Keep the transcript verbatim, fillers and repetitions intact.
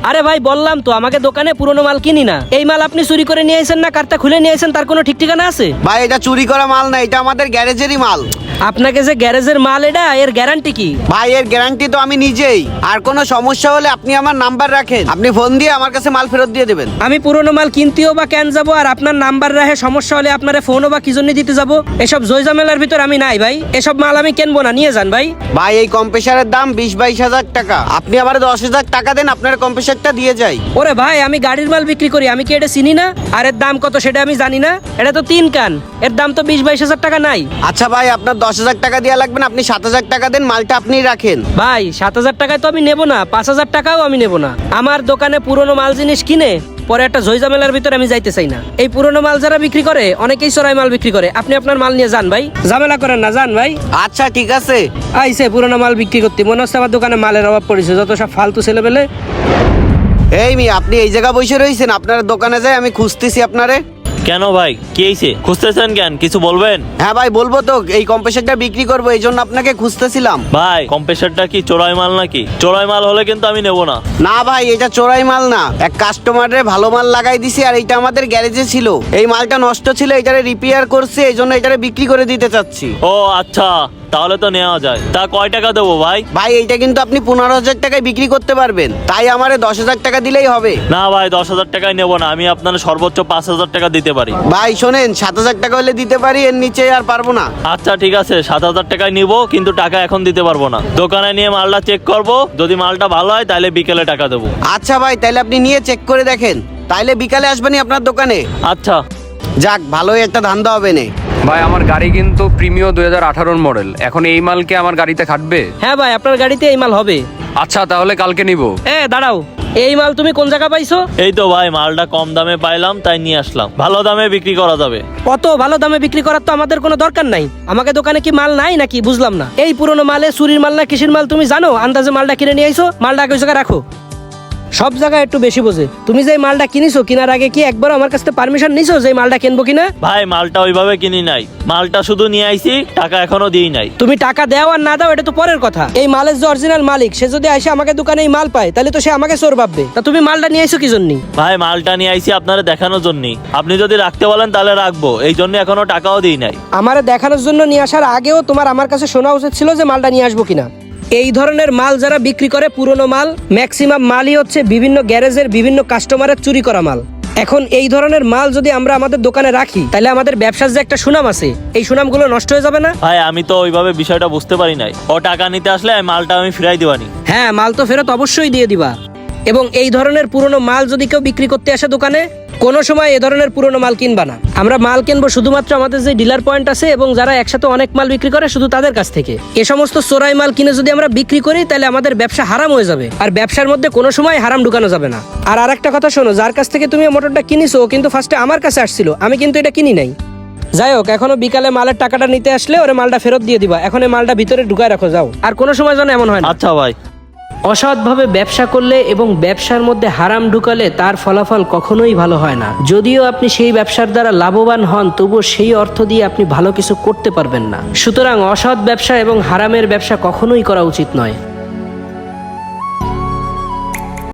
আরে ভাই বললাম তো আমাকে দোকানে পুরনো মাল কিনি না। এই মাল আপনি চুরি করে নিয়ে আসেন না কার্তা খুলে নিয়ে আসেন তার কোনো ঠিক ঠিকানা আছে? ভাই এটা চুরি করা মাল না, এটা আমাদের গ্যারেজেরই মাল। আপনাকে যে গ্যারেজের মাল এটা এর গ্যারান্টি কি? ভাই এর গ্যারান্টি তো আমি নিজেই। আর কোনো সমস্যা হলে আপনি আমার নাম্বার রাখেন, আপনি ফোন দিয়ে আমার কাছে মাল ফেরত দিয়ে দেবেন। আমি পুরনো মাল কিনতেও বা কেন যাবো আর আপনার নাম্বার রাখে সমস্যা হলে আপনার ফোনও বা কি জন্য দিতে যাবো? এসব জয়জামেলার ভিতর আমি নাই ভাই, এসব মাল আমি কিনবো না, নিয়ে যান ভাই। ভাই এই কম্প্রেসারের দাম বিশ বাইশ হাজার টাকা, আপনি আবার দশ হাজার টাকা দেন, আপনার কম্প্রেসারটা দিয়ে যাই। ওরে ভাই আমি গাড়ির মাল বিক্রি করি, আমি কি এটা চিনি না? আর এর দাম কত সেটা আমি জানি না? এটা তো তিন কান, এর দাম তো বিশ বাইশ হাজার টাকা নাই। আচ্ছা ভাই আপনার দশ হাজার টাকা দেওয়া লাগবে না, আপনি সাত হাজার টাকা দেন, মালটা আপনি রাখেন। ভাই সাত হাজার টাকায় তো আমি নেবো না, পাঁচ হাজার টাকাও আমি নেবো না। আমার দোকানে পুরনো মাল জিনিস কিনে পরে একটা ঝইঝামেলার ভিতরে আমি যাইতে চাই না। এই পুরনো মাল যারা বিক্রি করে অনেকেই চোরাই মাল বিক্রি করে, আপনি আপনার মাল নিয়ে যান ভাই, ঝামেলা করেন না, যান ভাই। আচ্ছা ঠিক আছে। আইসে পুরনো মাল বিক্রি করতে, মনে হচ্ছে আমার দোকানে মালের অভাব পড়েছে, যত সব ফালতু ছেলেবেলে। এই মি আপনি এই জায়গা বসে রয়েছেন, আপনার দোকানে যাই আমি খুঁজতেছি আপনারে। কেন ভাই কি হয়েছে, খুঁজতেছেন কেন, কিছু বলবেন? হ্যাঁ ভাই বলবো তো, এই কম্প্রেসারটা বিক্রি করবো এই জন্য আপনাকে খুঁজতেছিলাম। ভাই কম্প্রেসারটা কি চোরাই মাল নাকি? চোরাই মাল হলে কিন্তু আমি নেব না। না ভাই এটা চোরাই মাল না, এক কাস্টমারের ভালো মাল লাগাই দিছি আর এটা আমাদের গ্যারেজে ছিল, এই মালটা নষ্ট ছিল, এটারে রিপেয়ার করছে এই জন্য এটারে বিক্রি করে দিতে চাচ্ছি। ও আচ্ছা, তাহলে তো নেওয়া যায়। তা কয় টাকা দেবো ভাই? ভাই এইটা কিন্তু আপনি পনেরো হাজার টাকায় বিক্রি করতে পারবেন, তাই আমারে দশ হাজার টাকা দিলেই হবে। না ভাই দশ হাজার টাকায় নেবো না, আমি আপনার সর্বোচ্চ পাঁচ হাজার টাকা দিতে পারি। ভাই শোনেন, সাত হাজার টাকা হলে দিতে পারি, এর নিচে আর পারবো না। আচ্ছা ঠিক আছে, সাত হাজার টাকায় নিব, কিন্তু টাকা এখন দিতে পারবো না। দোকানে নিয়ে মালটা চেক করব, যদি মালটা ভালো হয় তাহলে বিকেলে টাকা দেবো। আচ্ছা ভাই তাহলে আপনি নিয়ে চেক করে দেখেন, তাইলে বিকালে আসবেনি আপনার দোকানে। আচ্ছা যাক ভালোই একটা ধান্দা হবে না। ভাই আমার গাড়ি কিন্তু প্রিমিও দুই হাজার আঠারোর মডেল, এখন এই মালকে আমার গাড়িতে খাটবে? হ্যাঁ ভাই আপনার গাড়িতে এই মাল হবে। আচ্ছা তাহলে কালকে নিব। এ দাঁড়াও, এই মাল তুমি কোন জায়গা পাইছো? এই তো ভাই মালটা কম দামে পাইলাম তাই নিয়ে আসলাম, ভালো দামে বিক্রি করা যাবে। অত ভালো দামে বিক্রি করার তো আমাদের কোনো দরকার নাই, আমাকে দোকানে কি মাল নাই নাকি বুঝলাম না। এই পুরনো মালে চুরির মাল না কিসির মাল তুমি জানো? আন্দাজে মালটা কিনে নিয়ে আইছো, মালটা ওই জায়গায় রাখো। সব জায়গায় একটু বেশি বোঝে। তুমি যে মালটা কিনিছো কেনার আগে কি একবার আমার কাছে পারমিশন নিছো যে মালটা কিনবো কিনা? ভাই মালটা ওইভাবে কিনি নাই, মালটা শুধু নিয়ে আইছি, টাকা এখনো দিই নাই। তুমি টাকা দাও আর না দাও এটা তো পরের কথা। এই মালের যে অরিজিনাল মালিক সে যদি এসে আমাকে দোকানে এই মাল পায় তাহলে তো সে আমাকে চোর ভাববে। তা তুমি মালটা নিয়ে আইছো কি জন্য? ভাই মালটা নিয়ে আইছি আপনারা দেখানোর জন্য, আপনি যদি রাখতে বলেন তাহলে রাখবো, এই জন্য এখনো টাকাও দিই নাই। আমারে দেখানোর জন্য নিয়ে আসার আগেও তোমার আমার কাছে শোনা উচিত ছিল যে মালটা নিয়ে আসবো কিনা। এই ধরনের মাল যারা বিক্রি করে পুরনো মাল, ম্যাক্সিমাম মালই হচ্ছে বিভিন্ন গ্যারেজের বিভিন্ন কাস্টমারের চুরি করা মাল। এখন এই ধরনের মাল যদি আমরা আমাদের দোকানে রাখি তাহলে আমাদের ব্যবসার যে একটা সুনাম আছে এই সুনামগুলো নষ্ট হয়ে যাবে না? ভাই আমি তো ওইভাবে বিষয়টা বুঝতে পারি নাই, ও টাকা নিতে আসলে মালটা আমি ফিরাই দিবানি। হ্যাঁ মাল তো ফেরত অবশ্যই দিয়ে দিবা। এবং এই ধরনের পুরনো মাল যদি কেউ বিক্রি করতে আসে দোকানে, কোনো সময় এ ধরনের পুরনো মাল কিনবা না। আমরা মাল কিনবো শুধুমাত্র আমাদের যে ডিলার পয়েন্ট আছে এবং যারা একসাথে অনেক মাল বিক্রি করে শুধু তাদের কাছ থেকে। এ সমস্ত চোরাই মাল কিনে যদি আমরা বিক্রি করি তাহলে আমাদের ব্যবসা হারাম হয়ে যাবে, আর ব্যবসার মধ্যে কোনো সময় হারাম ঢুকানো যাবে না। আর আরেকটা কথা শোনো, যার কাছ থেকে তুমি মোটরটা কিনিছো কিন্তু ফার্স্টে আমার কাছে আসছিল, আমি কিন্তু এটা কিনি নাই। যাই হোক, এখনো বিকালে মালের টাকাটা নিতে আসলে ওরে মালটা ফেরত দিয়ে দিবা, এখন এই মালটা ভিতরে ঢুকায় রাখো, যাও। আর কোনো সময় যেন এমন হয় না। আচ্ছা ভাই। অসৎভাবে ব্যবসা করলে এবং ব্যবসার মধ্যে হারাম ঢুকালে তার ফলাফল কখনোই ভালো হয় না। যদিও আপনি সেই ব্যবসার দ্বারা লাভবান হন, তবুও সেই অর্থ দিয়ে আপনি ভালো কিছু করতে পারবেন না। সুতরাং অসৎ ব্যবসা এবং হারামের ব্যবসা কখনোই করা উচিত নয়।